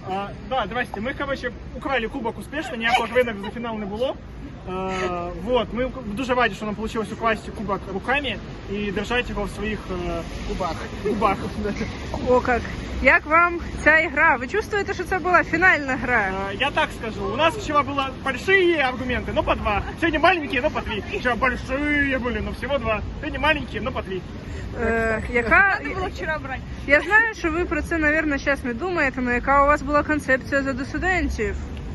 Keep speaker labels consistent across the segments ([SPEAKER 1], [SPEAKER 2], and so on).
[SPEAKER 1] Да, здрасте. Ми, короче, украли кубок успішно, ніякого винок за фінал не було. Вот, ми дуже раді, що нам вийшло украсти кубок руками і держати його в своїх губах.
[SPEAKER 2] О, як вам ця гра? Ви чувствуєте, що це була фінальна гра?
[SPEAKER 1] Я так скажу, у нас вчера было большие аргументы, но по 2. Сегодня маленькие, но по 3. Вчера большие были, но всего 2. Сегодня маленькие, но по 3.
[SPEAKER 2] Яка...
[SPEAKER 3] Треба було вчора брати.
[SPEAKER 2] Я знаю, що ви про це, мабуть, зараз не думаєте, але яка у вас була концепція за студентів?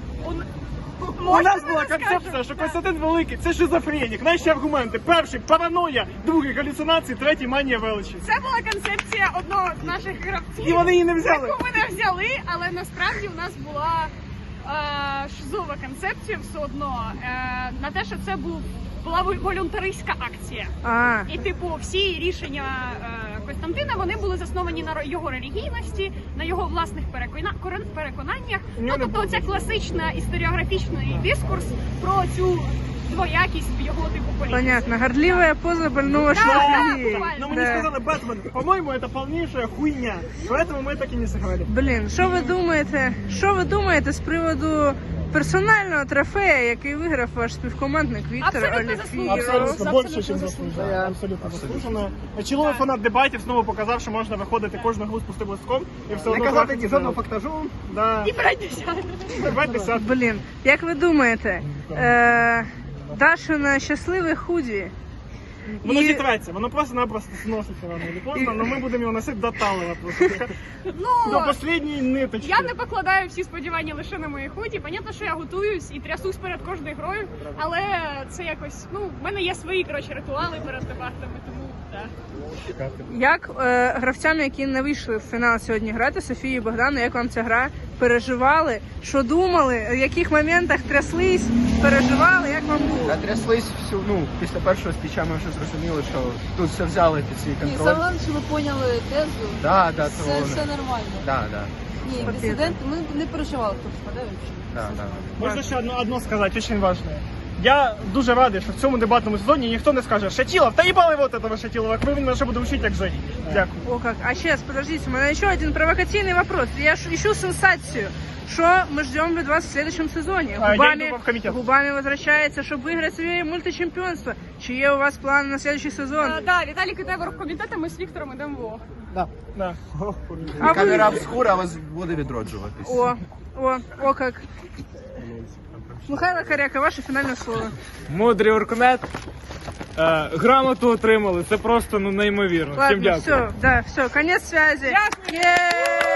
[SPEAKER 1] У нас була концепція, що Костянтин Великий – це шизофренік. Наші аргументи. Перший – параноя, другий – галюцинації, третій – манія величі.
[SPEAKER 3] Це була концепція одного з наших гравців.
[SPEAKER 1] І вони її не взяли.
[SPEAKER 3] Яку ми не взяли, але насправді у нас була шизова концепція все одно. На те, що це була волюнтаристська акція. І типу всі рішення Костянтина, вони були засновані на його релігійності, на його власних переконаннях. Ну, тобто це класичний історіографічний дискурс про цю двоякість в його типу політики.
[SPEAKER 2] Понятно. Гордливая поза больного шлаки.
[SPEAKER 1] Но мы не сказали Бэтмен. По-моему, это полнейшая хуйня. Поэтому мы так и не сыграли.
[SPEAKER 2] Блін, що ви думаєте з приводу персонального трофея, який виграв ваш співкомандник Віктор Олєфіров?
[SPEAKER 1] Абсолютно більше, ніж заслужено. Абсолютно заслужено. Чоловік фанат дебатів знову показав, що можна виходити кожну гру з пустим листком і все одно... Не казати жодного фактажу. Да.
[SPEAKER 3] І брати десятку.
[SPEAKER 2] Блін, як ви думаєте, Дашина щасливе худі?
[SPEAKER 1] Воно зітреться, воно просто-напросто сноситься рано или поздно, але ми будемо його носити до талого просто. До останньої ниточки.
[SPEAKER 3] Я не покладаю всі сподівання лише на мої худі. Понятно, що я готуюсь і трясусь перед кожною грою, але це якось, в мене є свої, ритуали перед дебатами, тому так.
[SPEAKER 2] Як гравцям, які не вийшли в фінал сьогодні грати, Софії і Богдану, як вам ця гра? Переживали? Що думали? В яких моментах тряслись? Переживали? Як вам було?
[SPEAKER 4] Тряслись після першого спіча ми вже зрозуміли, що тут все взяли під свій контроль.
[SPEAKER 5] Ні, саме, що ви поняли тезу, все нормально. Ні, дисидент, ми не переживали, хто впаде.
[SPEAKER 1] Можна ще одно сказати, дуже важливе. Я дуже радий, що в цьому дебатному сезоні ніхто не скаже «Шатилов, та їбали вот этого Шатилова, як ви мене ще буде вчити, як жити». Дякую.
[SPEAKER 2] О как. А сейчас, подождите, у меня еще один провокативный вопрос. Я ищу сенсацию. Что мы ждем от вас в следующем сезоне? Губами возвращается, чтобы выиграть себе мультичемпионство. Чьи у вас планы на следующий сезон?
[SPEAKER 3] Да, Віталік іде в оргкомітет, а ми з Віктором йдемо в ОГ.
[SPEAKER 1] Да.
[SPEAKER 4] Камера обскура, вас буде відроджуватись.
[SPEAKER 2] О как. Михайло Коряка, ваше фінальне слово.
[SPEAKER 6] Мудрий оргкомет. Грамоту отримали. Це просто неймовірно.
[SPEAKER 2] Ладно, все, конец связи.
[SPEAKER 3] Дякую.